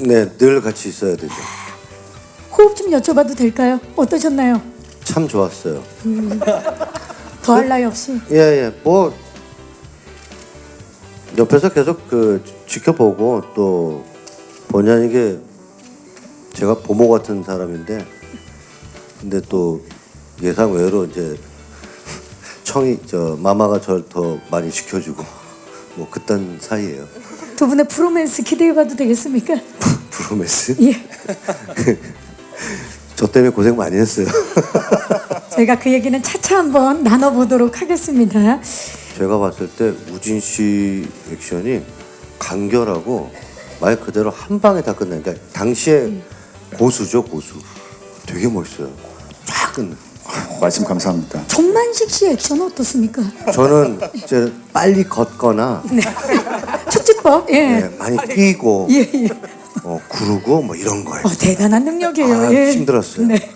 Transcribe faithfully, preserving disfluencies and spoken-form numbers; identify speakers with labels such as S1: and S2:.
S1: 네, 늘 같이 있어야 되죠.
S2: 호흡 좀 여쭤봐도 될까요? 어떠셨나요?
S1: 참 좋았어요.
S2: 더할 나위 없이.
S1: 예, 예. 뭐 옆에서 계속 그 지켜보고 또 본의 아니게 제가 보모 같은 사람인데 근데 또 예상 외로 이제 청이 저 마마가 저를 더 많이 지켜주고 뭐 그딴 사이예요.
S2: 두 분의 프로맨스 기대해봐도 되겠습니까?
S1: 브로메스?
S2: 예.
S1: 저 때문에 고생 많이 했어요.
S2: 저희가 그 얘기는 차차 한번 나눠보도록 하겠습니다.
S1: 제가 봤을 때 우진 씨 액션이 간결하고 말 그대로 한 방에 다 끝나니까 그러니까 당시에 고수죠 고수. 되게 멋있어요. 쫙 끝나.
S3: 말씀 감사합니다.
S2: 정만식 씨 액션은 어떻습니까?
S1: 저는 이제 빨리 걷거나
S2: 축지법. 예.
S1: 네, 많이 뛰고
S2: 예, 예.
S1: 어, 구르고 뭐 이런 거예요.
S2: 어, 대단한 능력이에요.
S1: 아,
S2: 예.
S1: 힘들었어요.
S2: 네.